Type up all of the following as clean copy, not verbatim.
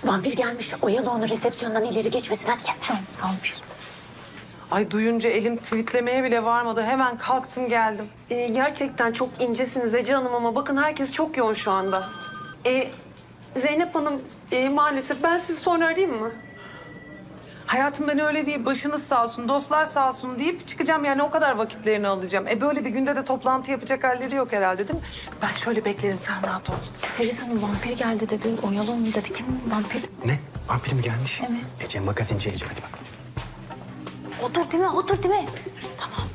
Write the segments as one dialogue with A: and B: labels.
A: Vampir gelmiş. Oyalı onu, resepsiyondan ileri geçmesin. Hadi gel.
B: Tamam, vampir.
C: Ay duyunca elim tweetlemeye bile varmadı. Hemen kalktım geldim.
D: Gerçekten çok incesiniz Ece Hanım ama bakın herkes çok yoğun şu anda. Zeynep Hanım maalesef ben sizi sonra arayayım mı?
C: Hayatım ben öyle değil. Başınız sağ olsun, dostlar sağ olsun deyip çıkacağım. Yani o kadar vakitlerini alacağım. Böyle bir günde de toplantı yapacak halleri yok herhalde değil mi? Ben şöyle beklerim, sen rahat ol.
A: Feriz Hanım vampir geldi dedi. Oyalı onu dedik. Vampir.
E: Ne? Vampir mi gelmiş?
A: Evet.
E: Ece magazinci Ece, hadi bak.
A: Otur değil mi? Otur değil mi? Tamam.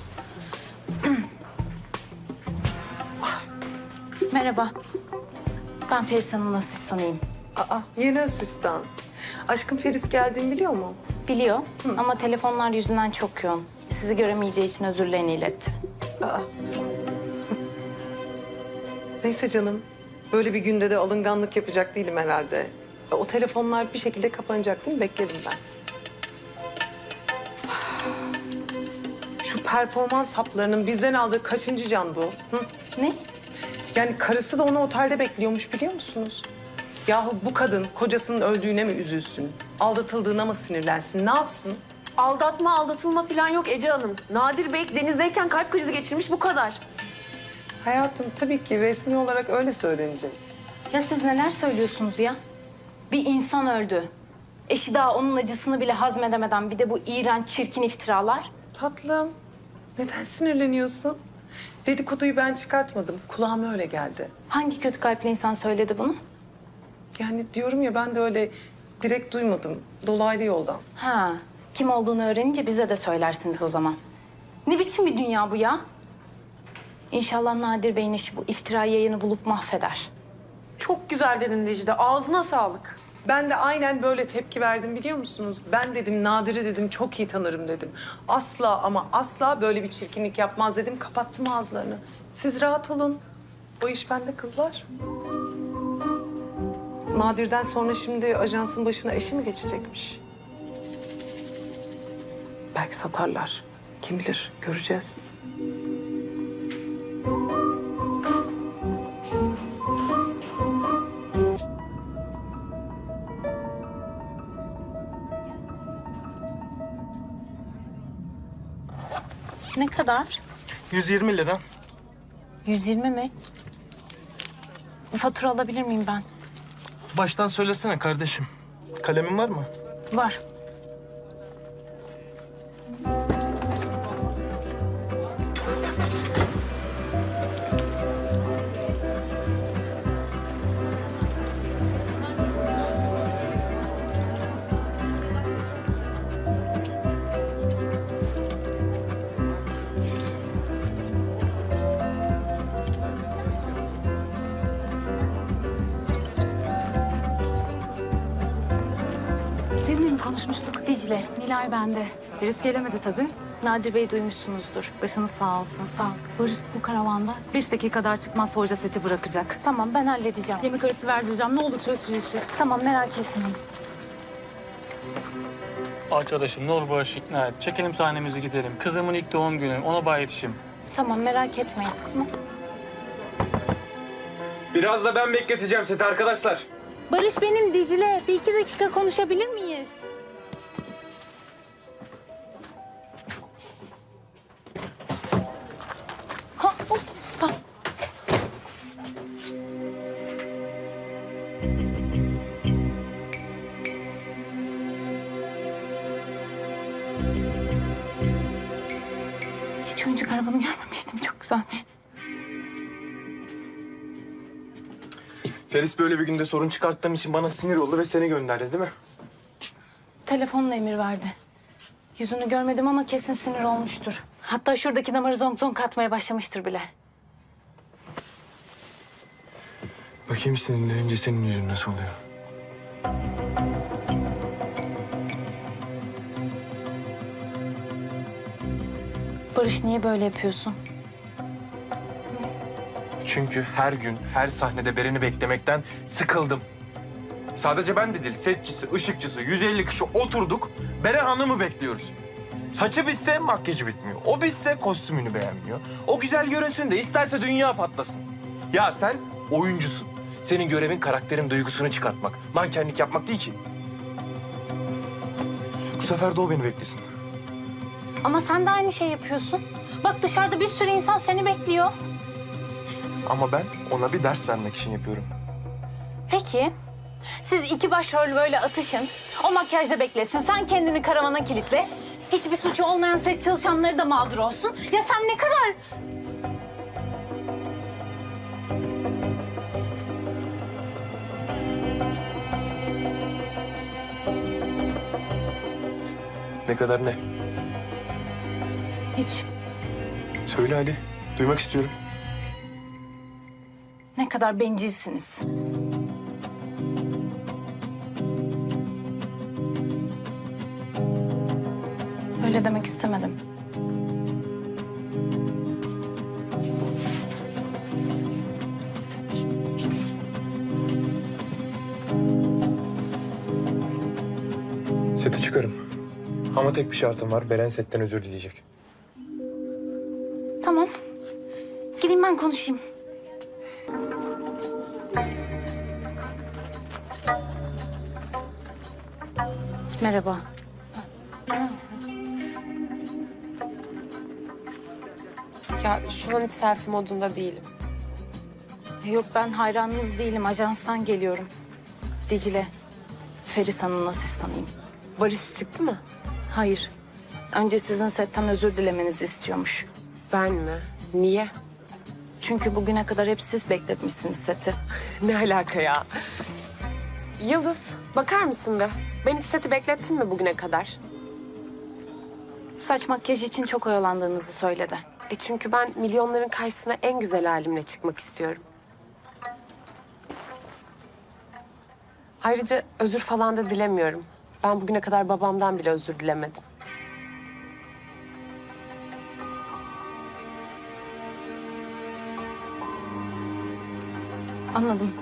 B: Merhaba. Ben Feris Hanım'ın asistanıyım.
C: Aa, yeni asistan. Aşkım Feris geldiğini biliyor mu?
B: Biliyor ama telefonlar yüzünden çok yoğun. Sizi göremeyeceği için özürlerini iletti.
C: Neyse canım. Böyle bir günde de alınganlık yapacak değilim herhalde. O telefonlar bir şekilde kapanacak değil mi? Beklerim ben. Şu performans haplarının bizden aldığı kaçıncı can bu? Hı?
B: Ne?
C: Yani karısı da onu otelde bekliyormuş biliyor musunuz? Yahu bu kadın kocasının öldüğüne mi üzülsün? Aldatıldığına mı sinirlensin? Ne yapsın?
D: Aldatma, aldatılma falan yok Ece Hanım. Nadir Bey denizdeyken kalp krizi geçirmiş bu kadar.
C: Hayatım tabii ki resmi olarak öyle söylenecek.
B: Ya siz neler söylüyorsunuz ya? Bir insan öldü. Eşi daha onun acısını bile hazmedemeden bir de bu iğrenç, çirkin iftiralar.
C: Tatlım, neden sinirleniyorsun? Dedikoduyu ben çıkartmadım. Kulağıma öyle geldi.
B: Hangi kötü kalpli insan söyledi bunu?
C: Yani diyorum ya ben de öyle direkt duymadım. Dolaylı yoldan.
B: Ha, kim olduğunu öğrenince bize de söylersiniz o zaman. Ne biçim bir dünya bu ya? İnşallah Nadir Bey'in işi bu iftira yayını bulup mahveder.
D: Çok güzel dedin Dicle. Ağzına sağlık.
C: Ben de aynen böyle tepki verdim biliyor musunuz? Ben dedim Nadir'i dedim çok iyi tanırım dedim. Asla ama asla böyle bir çirkinlik yapmaz dedim. Kapattım ağızlarını. Siz rahat olun. O iş bende kızlar. Nadir'den sonra şimdi ajansın başına eşi mi geçecekmiş? Belki satarlar. Kim bilir, göreceğiz.
B: Ne kadar?
E: 120 lira.
B: 120 mi? Bir fatura alabilir miyim ben?
E: Baştan söylesene kardeşim. Kalemin var mı?
B: Var.
F: Seninle mi konuşmuştuk?
B: Dicle,
F: Nilay bende. Virüs gelemedi tabii.
B: Nadir Bey duymuşsunuzdur.
F: Başınız sağ olsun, sağ ol. Barış bu karavanda 5 dakikada çıkmazsa hoca seti bırakacak.
B: Tamam, ben halledeceğim.
F: Yemek arası verdireceğim. Ne olur çöz şu işi.
B: Tamam, merak etmeyin.
G: Arkadaşım ne olur Barış'ı ikna et. Çekelim sahnemizi gidelim. Kızımın ilk doğum günü. Ona bay yetişim.
B: Tamam, merak etmeyin. Tamam.
E: Biraz da ben bekleteceğim seti arkadaşlar.
H: Barış benim Dicle. Bir iki dakika konuşabilir miyiz?
B: Ha, hoppa. Hiç oyuncak arabanı görmemiştim. Çok güzelmiş.
E: Feris böyle bir günde sorun çıkarttığım için bana sinir oldu ve seni gönderdi değil mi?
B: Telefonla emir verdi. Yüzünü görmedim ama kesin sinir olmuştur. Hatta şuradaki damarı zonk zonk atmaya başlamıştır bile.
E: Bakayım sinirlenince senin yüzün nasıl oluyor?
B: Barış niye böyle yapıyorsun?
E: Çünkü her gün, her sahnede Beren'i beklemekten sıkıldım. Sadece ben de değil, setçisi, ışıkçısı, 150 kişi oturduk. Beren Hanım'ı bekliyoruz. Saçı bitse makyajı bitmiyor. O bitse kostümünü beğenmiyor. O güzel görünsün de isterse dünya patlasın. Ya sen oyuncusun. Senin görevin karakterin duygusunu çıkartmak. Mankenlik yapmak değil ki. Bu sefer de o beni beklesin.
B: Ama sen de aynı şey yapıyorsun. Bak dışarıda bir sürü insan seni bekliyor.
E: Ama ben ona bir ders vermek için yapıyorum.
B: Peki, siz iki başrol böyle atışın. O makyajda beklesin, sen kendini karavana kilitle. Hiçbir suçu olmayan set çalışanları da mağdur olsun. Ya sen ne kadar...
E: Ne kadar ne?
B: Hiç.
E: Söyle hadi. Duymak istiyorum.
B: Ne kadar bencilsiniz. Öyle demek istemedim.
E: Sete çıkarım. Ama tek bir şartım var. Beren setten özür dileyecek.
B: Tamam. Gideyim ben konuşayım. Merhaba.
D: Ya şu an hiç selfie modunda değilim.
B: Yok ben hayranınız değilim. Ajanstan geliyorum. Dicle. Feris Hanım'ın asistanıyım.
D: Barış çıktı mı?
B: Hayır. Önce sizin setten özür dilemenizi istiyormuş.
D: Ben mi? Niye?
B: Çünkü bugüne kadar hep siz bekletmişsiniz seti.
D: Ne alaka ya? Yıldız, bakar mısın be? Ben hiç seti beklettim mi bugüne kadar?
B: Saç makyaj için çok oyalandığınızı söyledi.
D: Çünkü ben milyonların karşısına en güzel halimle çıkmak istiyorum. Ayrıca özür falan da dilemiyorum. Ben bugüne kadar babamdan bile özür dilemedim.
B: Anladım.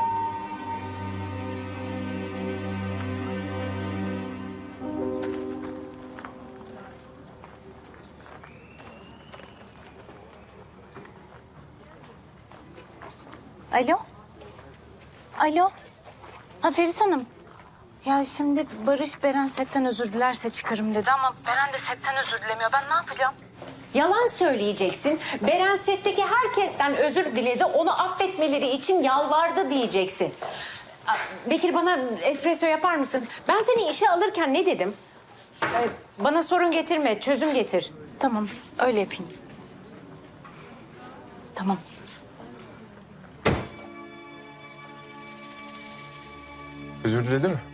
B: Alo? Alo? Ha Feris Hanım. Ya şimdi Barış Beren setten özür dilerse çıkarım dedi ama Beren de setten özür dilemiyor. Ben ne yapacağım?
I: Yalan söyleyeceksin. Beren setteki herkesten özür diledi. Onu affetmeleri için yalvardı diyeceksin. Bekir bana espresso yapar mısın? Ben seni işe alırken ne dedim? Bana sorun getirme, çözüm getir.
B: Tamam, öyle yapayım. Tamam.
E: Özür diledi mi?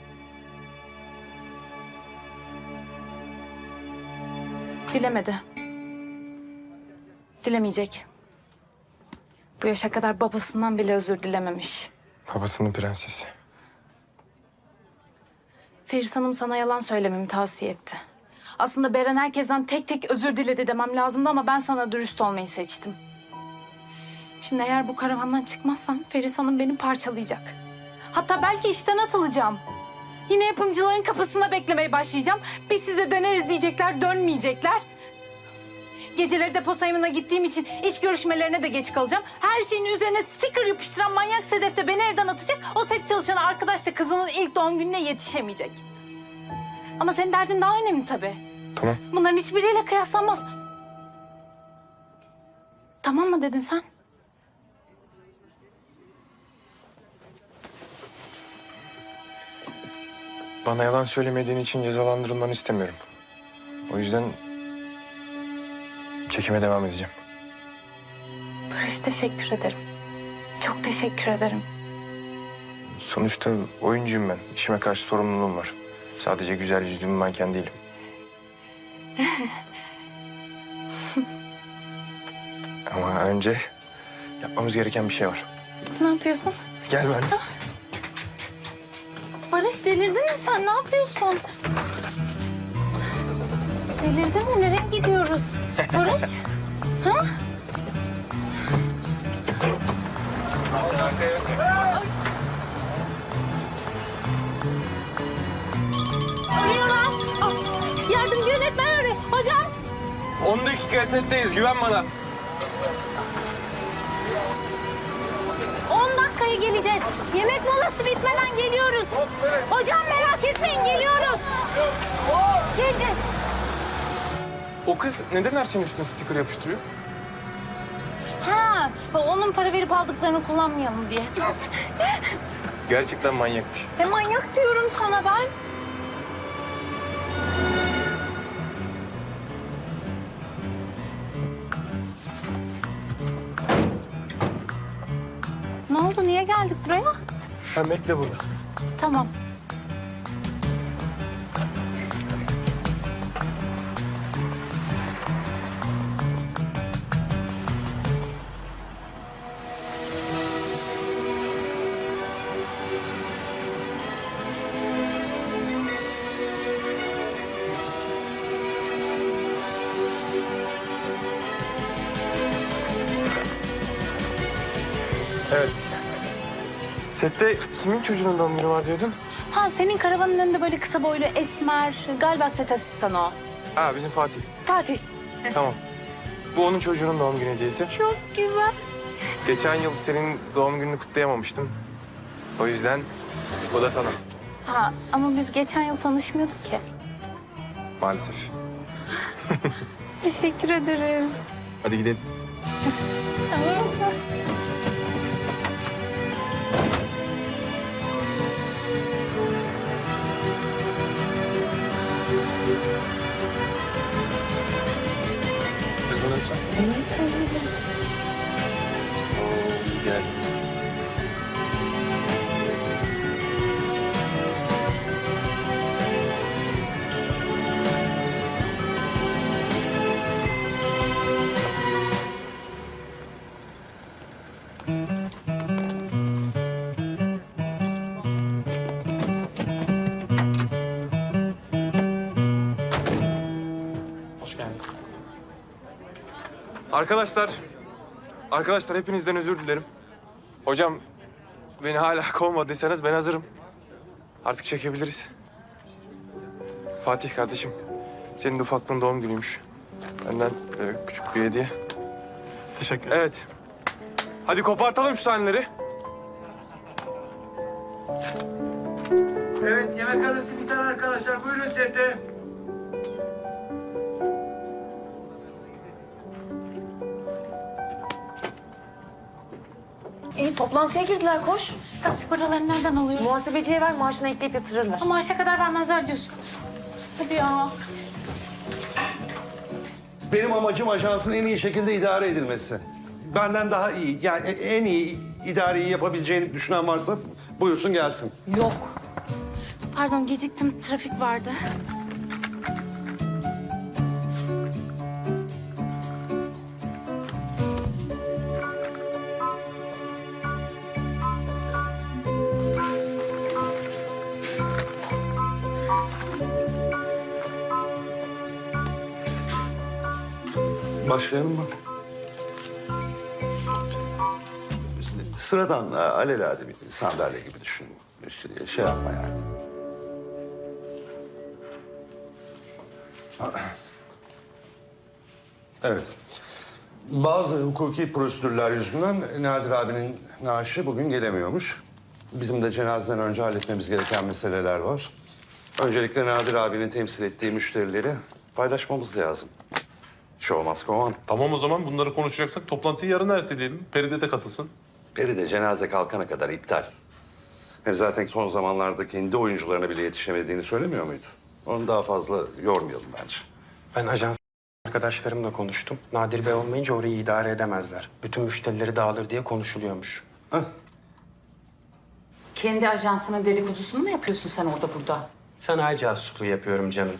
B: Dilemedi. Dilemeyecek. Bu yaşa kadar babasından bile özür dilememiş.
E: Babasının prensesi.
B: Feris Hanım sana yalan söylememi tavsiye etti. Aslında Beren herkesten tek tek özür diledi demem lazımdı ama ben sana dürüst olmayı seçtim. Şimdi eğer bu karavandan çıkmazsam Feris Hanım beni parçalayacak. Hatta belki işten atılacağım. Yine yapımcıların kapısında beklemeye başlayacağım. Biz size döneriz diyecekler, dönmeyecekler. Geceleri depo sayımına gittiğim için iş görüşmelerine de geç kalacağım. Her şeyin üzerine sticker yapıştıran manyak Sedef de beni evden atacak. O set çalışanı arkadaş da kızının ilk doğum gününe yetişemeyecek. Ama senin derdin daha önemli tabii.
E: Tamam.
B: Bunların hiçbiriyle kıyaslanmaz. Tamam mı dedin sen?
E: Bana yalan söylemediğin için cezalandırılmanı istemiyorum. O yüzden çekime devam edeceğim.
B: Barış teşekkür ederim. Çok teşekkür ederim.
E: Sonuçta oyuncuyum ben. İşime karşı sorumluluğum var. Sadece güzel yüzlü bir manken değilim. Ama önce yapmamız gereken bir şey var.
B: Ne yapıyorsun?
E: Gel benimle.
B: Barış delirdin mi sen? Ne yapıyorsun? Delirdin mi? Nereye gidiyoruz? Barış? Ha? Arıyorlar. Ah, yardımcı yönetmen arıyor. Hocam.
E: 10 dakika setteyiz. Güven bana.
B: 10 dakikaya geleceğiz.
H: Yemek molası bitmeden geliyoruz. Hocam merak etmeyin geliyoruz. Geleceğiz.
E: O kız neden her şeyin üstüne sticker yapıştırıyor?
H: Ha, onun para verip aldıklarını kullanmayalım diye.
E: Gerçekten manyakmış.
H: Manyak diyorum sana ben. Ne oldu? Niye geldik buraya?
E: Sen bekle burada.
H: Tamam.
E: Evet. Sette kimin çocuğunun doğum günü var diyordun?
B: Ha, senin karavanın önünde böyle kısa boylu esmer, galiba set asistanı o.
E: Ha, bizim Fatih.
B: Fatih.
E: Tamam. Bu onun çocuğunun doğum günü hediyesi.
B: Çok güzel.
E: Geçen yıl senin doğum gününü kutlayamamıştım. O yüzden bu da sana.
B: Ha, ama biz geçen yıl tanışmıyorduk ki.
E: Maalesef.
B: Teşekkür ederim.
E: Hadi gidelim. Gel.
G: Hoş geldiniz.
E: Arkadaşlar hepinizden özür dilerim. Hocam beni hala kovmadıysanız ben hazırım. Artık çekebiliriz. Fatih kardeşim, senin de ufaklığın doğum günüymüş. Benden küçük bir hediye.
G: Teşekkür ederim.
E: Evet. Hadi kopartalım şu sahneleri.
J: Evet, yemek arası biter arkadaşlar. Buyurun sete.
A: Toplantıya girdiler koş.
B: Taksi paralarını nereden alıyoruz?
A: Muhasebeciye ver maaşına ekleyip yatırırlar.
B: Ama maaşa kadar vermezler diyorsun. Hadi ya.
J: Benim amacım ajansın en iyi şekilde idare edilmesi. Benden daha iyi, yani en iyi idareyi yapabileceğini düşünen varsa buyursun gelsin.
A: Yok.
B: Pardon, geciktim. Trafik vardı.
J: Başlayalım mı? Sıradan, alelade bir sandalye gibi düşün. İşte şey yapma yani. Evet. Bazı hukuki prosedürler yüzünden Nadir abinin naaşı bugün gelemiyormuş. Bizim de cenazeden önce halletmemiz gereken meseleler var. Öncelikle Nadir abinin temsil ettiği müşterileri paylaşmamız lazım. Show must go on.
K: Tamam o zaman bunları konuşacaksak toplantıyı yarın erteleyelim. Peride de katılsın.
J: Peri de cenaze kalkana kadar iptal. Hem zaten son zamanlarda kendi oyuncularına bile yetişemediğini söylemiyor muydu? Onu daha fazla yormayalım bence.
L: Ben ajans arkadaşlarımla konuştum. Nadir Bey olmayınca orayı idare edemezler. Bütün müşterileri dağılır diye konuşuluyormuş.
I: Kendi ajansının dedikodusunu mu yapıyorsun sen orada burada?
L: Sanayi casusluğu yapıyorum canım.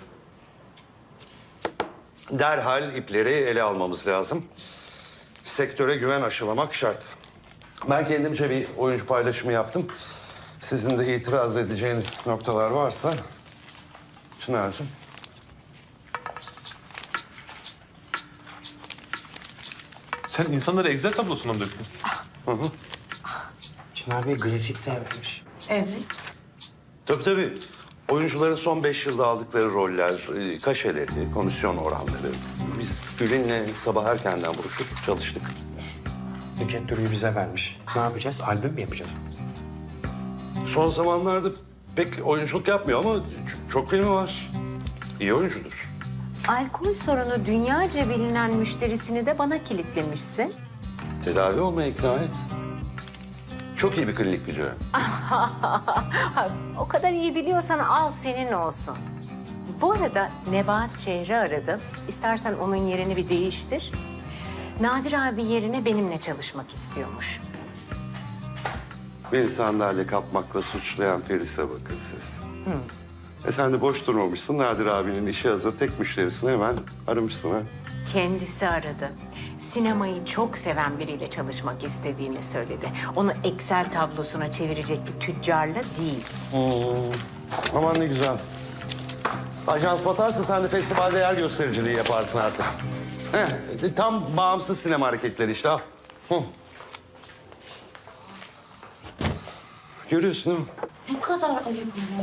J: Derhal ipleri ele almamız lazım. Sektöre güven aşılamak şart. Ben kendimce bir oyuncu paylaşımı yaptım. Sizin de itiraz edeceğiniz noktalar varsa... Çınar'cığım.
K: Sen insanları Excel tablosuna mı döktün?
L: Çınar Bey grafik de yapmış.
I: Evet.
J: Tabii. Oyuncuların son 5 yılda aldıkları roller, kaşeleri, komisyon oranları. Biz Gül'ünle sabah erkenden buluşup çalıştık.
L: Nükhet Duru'yu bize vermiş. Ne yapacağız? Albüm mü yapacağız?
J: Son zamanlarda pek oyunculuk yapmıyor ama çok filmi var. İyi oyuncudur.
I: Alkol sorunu dünyaca bilinen müşterisini de bana kilitlemişsin.
J: Tedavi olmaya ikna et. Çok iyi bir klinik biliyorum.
I: O kadar iyi biliyorsan al senin olsun. Bu arada Nebahat Şehri aradım. İstersen onun yerini bir değiştir. Nadir abi yerine benimle çalışmak istiyormuş.
J: Beni sandalye kapmakla suçlayan Feris'e bakın siz. Sen de boş durmamışsın. Nadir abinin işi hazır tek müşterisini hemen aramışsın ha.
I: Kendisi aradı. Sinemayı çok seven biriyle çalışmak istediğini söyledi. Onu Excel tablosuna çevirecek bir tüccarla değil.
J: Aman ne güzel. Ajans batarsa sen de festivalde yer göstericiliği yaparsın artık. Tam bağımsız sinema hareketleri işte. Al. Görüyorsun değil mi?
A: Ne kadar ayıp ya.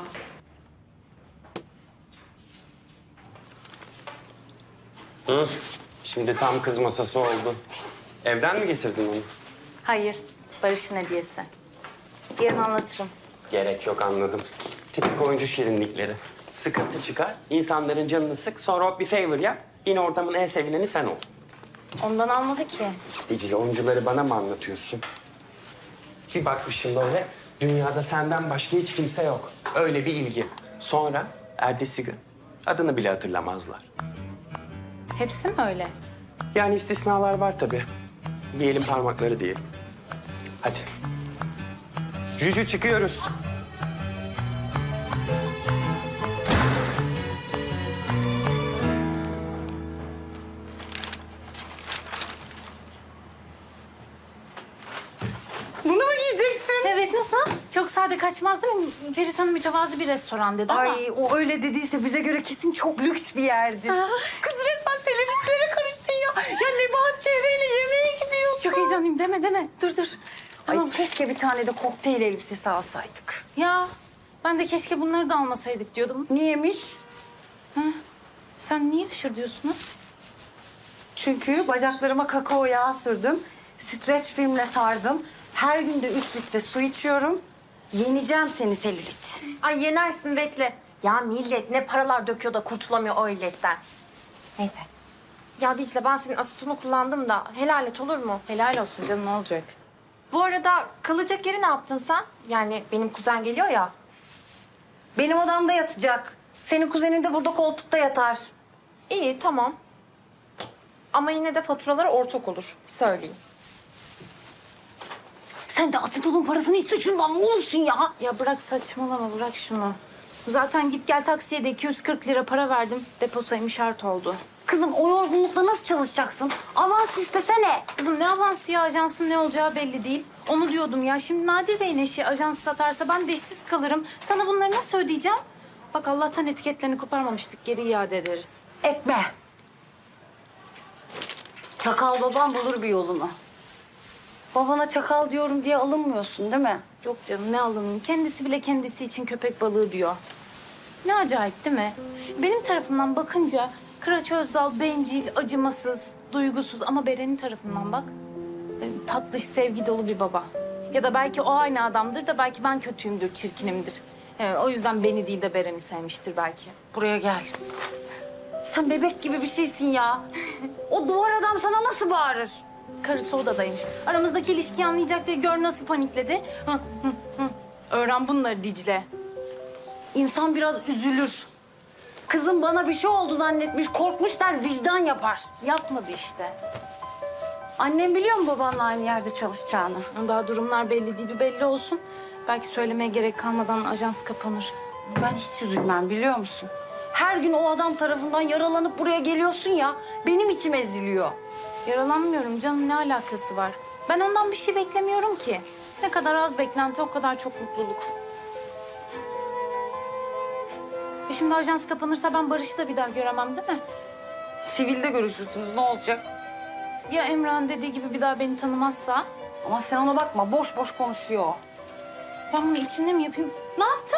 L: Şimdi tam kız masası oldu. Evden mi getirdin onu?
B: Hayır, Barış'ın hediyesi. Yarın anlatırım.
L: Gerek yok, anladım. Tipik oyuncu şirinlikleri. Sıkıntı çıkar, insanların canını sık, sonra hop bir favor yap. Yine ortamın en sevileni sen ol.
B: Ondan almadı ki.
L: Dicle, oyuncuları bana mı anlatıyorsun? Bir bakmışım böyle, dünyada senden başka hiç kimse yok. Öyle bir ilgi. Sonra ertesi gün adını bile hatırlamazlar.
B: Hepsi mi öyle?
L: Yani istisnalar var tabii. Bir elin parmakları diye. Hadi. Juju çıkıyoruz.
D: Bunu mu giyeceksin?
B: Evet, nasıl? Çok sade kaçmaz değil mi? Feris Hanım mütevazı bir restoran dedi ama...
D: Ay o öyle dediyse bize göre kesin çok lüks bir yerdi. Kız resmen selebitlere karıştın ya. Ya Nebahat Çehre'yle yemeğe gidiyor.
B: Çok heyecanlıyım, deme. Dur. Tamam.
D: Ay keşke bir tane de kokteyl elbisesi alsaydık.
B: Ya, ben de keşke bunları da almasaydık diyordum.
D: Niyemiş?
B: Sen niye aşır diyorsun ha?
D: Çünkü bacaklarıma kakao yağı sürdüm. Streç filmle sardım. Her gün de 3 litre su içiyorum. Yeneceğim seni selülit.
A: Ay yenersin bekle. Ya millet ne paralar döküyor da kurtulamıyor o illetten. Neyse. Ya Dicle ben senin asetonu kullandım da helal et olur mu?
B: Helal olsun canım, ne olacak?
A: Bu arada kalacak yeri ne yaptın sen? Yani benim kuzen geliyor ya.
D: Benim odamda yatacak. Senin kuzenin de burada koltukta yatar.
A: İyi tamam. Ama yine de faturalar ortak olur. Söyleyeyim.
D: Sen de asetonun parasını iste şundan ne olursun ya?
B: Ya bırak saçmalama, bırak şunu. Zaten git gel taksiye de 240 lira para verdim. Depo sayımı şart oldu.
D: Kızım o yorgunlukla nasıl çalışacaksın? Avans istesene.
B: Kızım ne avansı ya, ajansın ne olacağı belli değil. Onu diyordum ya, şimdi Nadir Bey'in eşi ajansı satarsa ben de işsiz kalırım. Sana bunları nasıl ödeyeceğim? Bak Allah'tan etiketlerini koparmamıştık, geri iade ederiz.
D: Etme. Çakal babam bulur bir yolunu. Babana çakal diyorum diye alınmıyorsun değil mi?
B: Yok canım, ne alınayım, kendisi bile kendisi için köpek balığı diyor. Ne acayip değil mi? Benim tarafından bakınca Kıraç Özdal bencil, acımasız, duygusuz ama Beren'in tarafından bak. Tatlış, sevgi dolu bir baba. Ya da belki o aynı adamdır da belki ben kötüyümdür, çirkinimdir. O yüzden beni değil de Beren'i sevmiştir belki.
D: Buraya gel. Sen bebek gibi bir şeysin ya. O duvar adam sana nasıl bağırır?
B: Karısı odadaymış. Aramızdaki ilişkiyi anlayacak diye gör nasıl panikledi. Öğren bunları Dicle.
D: İnsan biraz üzülür. Kızım bana bir şey oldu zannetmiş, korkmuş der, vicdan yapar.
B: Yapmadı işte.
D: Annem biliyor mu babanla aynı yerde çalışacağını?
B: Daha durumlar belli değil, bir belli olsun. Belki söylemeye gerek kalmadan ajans kapanır.
D: Ben hiç üzülmem biliyor musun? Her gün o adam tarafından yaralanıp buraya geliyorsun ya, benim içim eziliyor.
B: Yaralanmıyorum canım, ne alakası var? Ben ondan bir şey beklemiyorum ki. Ne kadar az beklenti o kadar çok mutluluk. Şimdi ajans kapanırsa ben Barış'ı da bir daha göremem değil mi?
D: Sivilde görüşürsünüz, ne olacak?
B: Ya Emrah'ın dediği gibi bir daha beni tanımazsa?
D: Ama sen ona bakma, boş boş konuşuyor.
B: Ben bunu içimde mi yapayım? Ne yaptın?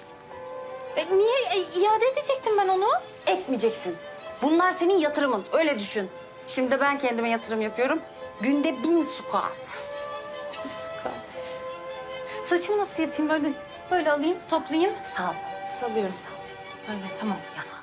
B: Niye? İade edecektim ben onu.
D: Etmeyeceksin. Bunlar senin yatırımın, öyle düşün. Şimdi ben kendime yatırım yapıyorum. Günde 1000 squat.
B: Saçımı nasıl yapayım? Böyle alayım, toplayayım.
D: Sağ ol.
B: Salıyorum. Böyle tamam.
D: Ya.